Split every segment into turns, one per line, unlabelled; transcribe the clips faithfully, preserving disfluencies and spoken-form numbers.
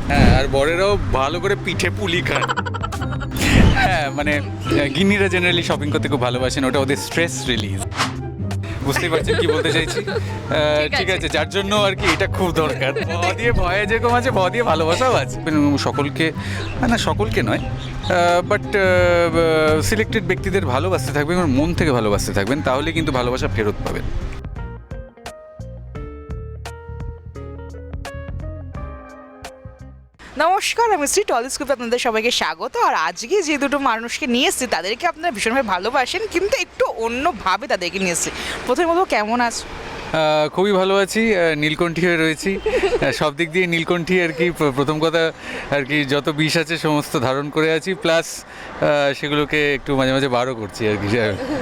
হ্যাঁ, আর বরেরাও ভালো করে পিঠে পুলি খান। হ্যাঁ, মানে গিন্নিরা জেনারেলি শপিং করতে খুব ভালোবাসেন, ওটা ওদের স্ট্রেস রিলিজ। বুঝতেই পারছেন কি বলতে চাইছি। আহ, ঠিক আছে, যার জন্য আর কি এটা খুব দরকার। ভ দিয়ে ভয়ে যেরকম আছে, ভ দিয়ে ভালোবাসাও আছে। সকলকে, না সকলকে নয়, বাট সিলেক্টেড ব্যক্তিদের ভালোবাসতে থাকবেন এবং মন থেকে ভালোবাসতে থাকবেন, তাহলে কিন্তু ভালোবাসা ফেরত পাবেন।
নমস্কার, আমি শ্রী টলিস্কোপে আপনাদের সবাইকে স্বাগত। আর আজকে যে দুটো মানুষকে নিয়ে এসেছি তাদেরকে আপনারা ভীষণভাবে ভালোবাসেন, কিন্তু একটু অন্যভাবে তাদেরকে নিয়ে এসেছি। প্রথমে বলবো, কেমন আছো?
আহ, খুবই ভালো আছি, আহ, নীলকণ্ঠী হয়ে রয়েছি। আহ, সব দিক দিয়ে নীলকণ্ঠী আর কি। প্র- প্রথম কথা আর কি, যত বিষ আছে সমস্ত ধারণ করে আছি, প্লাস সেগুলোকে একটু মাঝে মাঝে বারও করছি আর কি।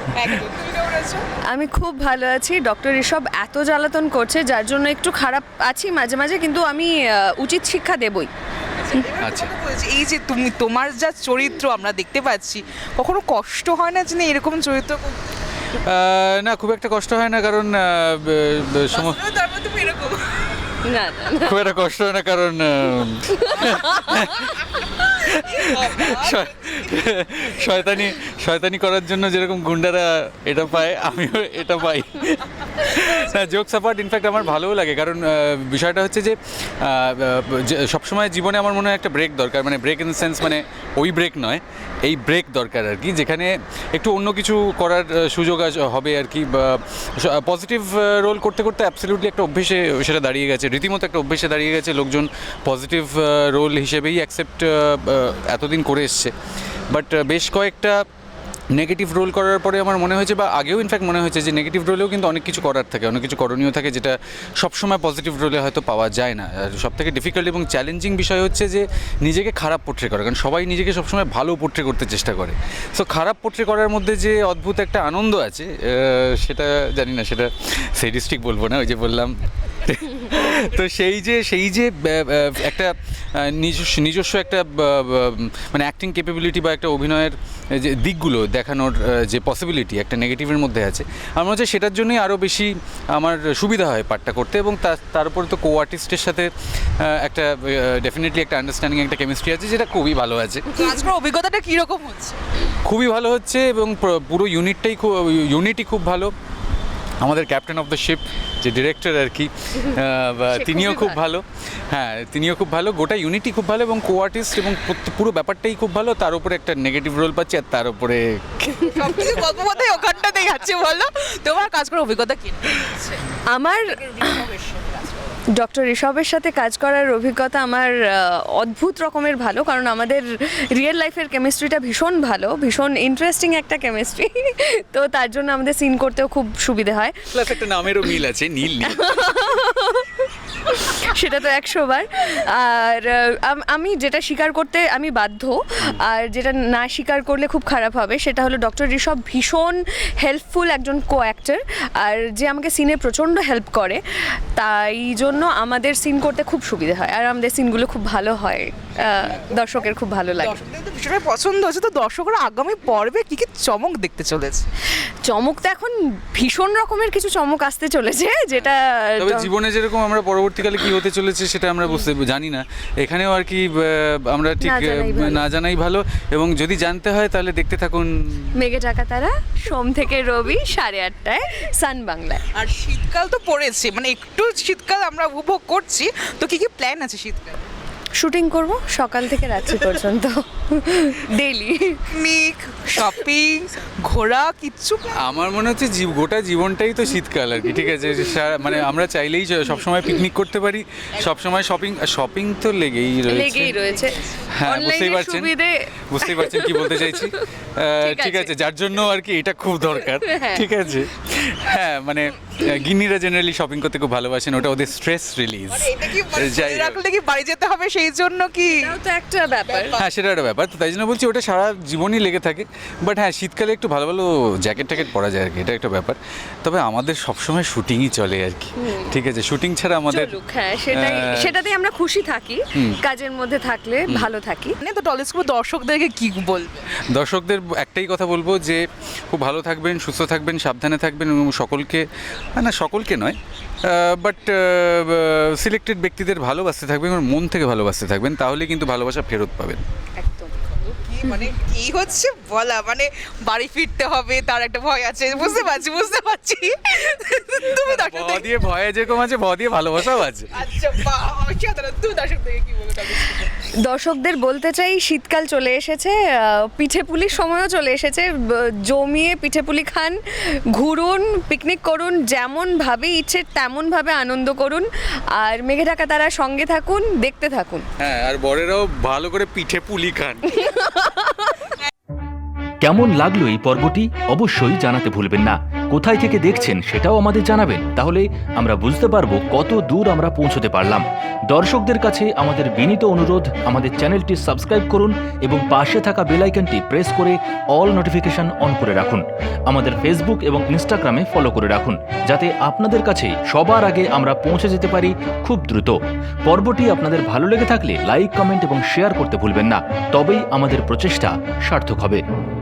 আমি খুব ভালো আছি। ডক্টর ঋষভ এত জ্বালাতন করছে যার জন্য একটু খারাপ আছি মাঝে মাঝে, কিন্তু আমি আহ, উচিত শিক্ষা দেবই।
আচ্ছা,
বলছি, এই যে তুমি, তোমার যা চরিত্র আমরা দেখতে পাচ্ছি, কখনো কষ্ট হয় না যে না এরকম চরিত্র করতে?
আহ, না খুব একটা কষ্ট হয় না, কারণ আহ, ব- ব- সম-
বাস্তবে তারপর তুমি এরকম
না না
খুব একটা কষ্ট হয় না, কারণ আহ, শয়- শয়তানি শয়তানি করার জন্য যেরকম গুন্ডারা এটা পায়, আমিও এটা পাই। না, জোকস অ্যাপার্ট, ইনফ্যাক্ট আমার ভালোও লাগে, কারণ আহ, বিষয়টা হচ্ছে যে আহ, যে সবসময় জীবনে আমার মনে হয় একটা ব্রেক দরকার, মানে ব্রেক ইন দ্য সেন্স, মানে ওই ব্রেক নয়, এই ব্রেক দরকার আর কি, যেখানে একটু অন্য কিছু করার আহ, সুযোগ আস- হবে আর কি। পজিটিভ রোল করতে করতে অ্যাবসলিউটলি একটা অভ্যেসে সেটা দাঁড়িয়ে গেছে, রীতিমতো একটা অভ্যেসে দাঁড়িয়ে গেছে। লোকজন পজিটিভ রোল হিসেবেই অ্যাকসেপ্ট এতদিন করে এসছে, বাট বেশ কয়েকটা নেগেটিভ রোল করার পরে আমার মনে হয়েছে, বা আগেও ইনফ্যাক্ট মনে হয়েছে, যে নেগেটিভ রোলেও কিন্তু অনেক কিছু করার থাকে, অনেক কিছু করণীয় থাকে, যেটা সবসময় পজিটিভ রোলে হয়তো পাওয়া যায় না। আর সবথেকে ডিফিকাল্ট এবং চ্যালেঞ্জিং বিষয় হচ্ছে যে নিজেকে খারাপ পোট্রে করা, কারণ সবাই নিজেকে সবসময় ভালো পোট্রে করতে চেষ্টা করে। সো খারাপ পোট্রে করার মধ্যে যে অদ্ভুত একটা আনন্দ আছে, আহ, সেটা জানি না, সেটা সেডিস্টিক বলবো না, ওই যে বললাম। তো সেই যে সেই যে আহ, আহ, একটা আহ, নিজস্ব নিজস্ব একটা আহ, আহ, মানে অ্যাক্টিং ক্যাপাবিলিটি বা একটা অভিনয়ের যে দিকগুলো দেখানোর আহ, যে পসিবিলিটি একটা নেগেটিভের মধ্যে আছে, আমার মনে হচ্ছে সেটার জন্যই আরও বেশি আমার সুবিধা হয় পাঠটা করতে। এবং তার তার উপরে তো কো আর্টিস্টের সাথে আহ, একটা ডেফিনেটলি একটা আন্ডারস্ট্যান্ডিং, একটা কেমিস্ট্রি আছে, যেটা খুবই ভালো আছে।
কাজ করার অভিজ্ঞতাটা কীরকম হচ্ছে?
খুবই ভালো হচ্ছে, এবং প্র- পুরো ইউনিটটাই খুব ইউনিটই খুব ভালো। আমাদের ক্যাপ্টেন অফ দ্য শিপ যে ডিরেক্টর আর কি, আহ, বা-
সে
তিনিও
খুবই
খুব
ভালো।
ভালো। হ্যাঁ, তিনিও খুব ভালো, গোটা ইউনিটি খুব ভালো, এবং কো আর্টিস্ট এবং প্রত্যে- পুরো ব্যাপারটাই খুব ভালো। তার উপরে একটা নেগেটিভ রোল পাচ্ছি, আর তার উপরে
সবকিছু গল্প বোধহয় ওখানটাতেই যাচ্ছে। বলো, তোমার কাজ করার অভিজ্ঞতা কি?
আমার ডক্টর ঋষভের সাথে কাজ করার অভিজ্ঞতা আমার আহ, অদ্ভুত রকমের ভালো, কারণ আমাদের রিয়েল লাইফের কেমিস্ট্রিটা ভীষণ ভালো, ভীষণ ইন্টারেস্টিং একটা কেমিস্ট্রি। তো তার জন্য আমাদের সিন করতেও খুব সুবিধে হয়।
প্লাস একটা নামেরও মিল আছে, নীল নীল।
সেটা তো একশো বার। আর আহ, আম- আমি যেটা স্বীকার করতে আমি বাধ্য, আর যেটা না স্বীকার করলে খুব খারাপ হবে, সেটা হলো ডক্টর ঋষভ ভীষণ হেল্পফুল একজন কো অ্যাক্টর, আর যে আমাকে সিনে প্রচণ্ড হেল্প করে, তাই জন্য আমাদের সিন করতে খুব সুবিধা হয়, আর আমাদের সিনগুলো খুব ভালো হয়, আহ, দর্শকের খুব ভালো লাগে।
দর্শকদের তো ভীষণভাবে পছন্দ হচ্ছে। তো দর্শকরা আগামী পর্বে কি কি চমক দেখতে চলেছে?
চমক তো এখন ভীষণ রকমের কিছু চমক আসতে চলেছে, যেটা
তবে জীবনে যেরকম আমরা পরবর্তীকালে কি হতে চলেছে সেটা আমরা বুঝতে জানি না, এখানেও আর কি আহ, আমরা ঠিক
না জানাই
আহ,
ভালো।
না জানাই ভালো। এবং যদি জানতে হয় তাহলে দেখতে থাকুন
মেঘে টাকা তারা, সোম থেকে রবি সাড়ে আটটায় সান বাংলায়।
আর শীতকাল তো পড়েছে, মানে একটু শীতকাল আমরা উপভোগ করছি। তো কি কি প্ল্যান আছে শীতকাল?
শুটিং করব সকাল থেকে রাত্রি পর্যন্ত, ডেইলি।
পিকনিক, শপিং, ঘোরা, কিচ্ছু plan?
আমার মনে হচ্ছে জীব- গোটা জীবনটাই তো শীতকাল আর কি। ঠিক আছে, সারা- মানে আমরা চাইলেই স- সবসময় পিকনিক করতে পারি, সবসময় শপিং শপিং তো লেগেই রয়েছে।
লেগেই রয়েছে।
হ্যাঁ, বুঝতেই
অনলাইনের
পারছেন
সুবিধে।
বুঝতেই পারছেন কি বলতে চাইছি। আহ, ঠিক আছে, যার জন্য আর কি এটা খুব দরকার।
হ্যাঁ।
ঠিক আছে, হ্যাঁ, মানে আহ, গিন্নিরা জেনারেলি শপিং করতে খুব ভালোবাসেন, ওটা ওদের স্ট্রেস রিলিজ।
মানে এটা কি মানে
যাই
মনে
হোক।
রাখলে কি বাড়ি যেতে হবে সেই জন্য কি?
এটাও তো একটা ব্যাপার।
হ্যাঁ, সেটা একটা ব্যাপার, তো তাই জন্য বলছি ওটা সারা জীবনই লেগে থাকে। বাট হ্যাঁ, শীতকালে একটু ভালো ভালো জ্যাকেট ট্যাকেট পরা যায় আর কি, এটা একটা ব্যাপার। তবে আমাদের সবসময় শুটিংই চলে আর কি। ঠিক আছে, শুটিং ছাড়া আমাদের
চলুক, হ্যাঁ, সেটাই,
আহ,
সেটাতেই আমরা খুশি থাকি। কাজের মধ্যে থাকলে ভালো থাকি।
মানে তো টলিস্কোপ দর্শকদেরকে কি বলবে?
দর্শকদের একটাই কথা বলবো যে খুব ভালো থাকবেন, সুস্থ থাকবেন, সাবধানে থাকবেন এবং সকলকে, না সকলকে নয়, বাট সিলেক্টেড ব্যক্তিদের ভালোবাসতে থাকবেন এবং মন থেকে ভালোবাসতে থাকবেন, তাহলে কিন্তু ভালোবাসা ফেরত পাবেন।
একদম।
কি মানে এই হচ্ছে বলা, মানে বাড়ি ফিরতে হবে তার একটা ভয় আছে, বুঝতে পারছি বুঝতে পারছি তুমি
ভ
দর্শকদের
দিয়ে ভয়ে যেরকম আছে, ভ দিয়ে ভালোবাসাও আছে।
আচ্ছা বাহ, অসাধারণ। তুমি দর্শকদেরকে কি বলবে টলিস্কোপে?
দর্শকদের বলতে চাই শীতকাল চলে এসেছে, আহ, পিঠেপুলির সময়ও চলে এসেছে। ব- জমিয়ে পিঠেপুলি খান, ঘুরুন, পিকনিক করুন, যেমনভাবে ইচ্ছে তেমনভাবে আনন্দ করুন। আর মেঘে ঢাকা তারা সঙ্গে থাকুন, দেখতে থাকুন।
হ্যাঁ, আর বরেরাও ভালো করে পিঠে পুলি খান।
কেমন লাগলো এই পর্বটি অবশ্যই জানাতে ভুলবেন না। কোথায় থেকে দেখছেন সেটাও আমাদের জানাবেন, তাহলে আমরা বুঝতে পারবো কত দূর আমরা পৌঁছতে পারলাম। দর্শকদের কাছে আমাদের বিনীত অনুরোধ, আমাদের চ্যানেলটি সাবস্ক্রাইব করুন এবং পাশে থাকা বেল আইকনটি প্রেস করে অল নোটিফিকেশন অন করে রাখুন। আমাদের ফেসবুক এবং ইনস্টাগ্রামে ফলো করে রাখুন, যাতে আপনাদের কাছে সবার আগে আমরা পৌঁছে যেতে পারি খুব দ্রুত। পর্বটি আপনাদের ভালো লেগে থাকলে লাইক, কমেন্ট এবং শেয়ার করতে ভুলবেন না, তবেই আমাদের প্রচেষ্টা সার্থক হবে।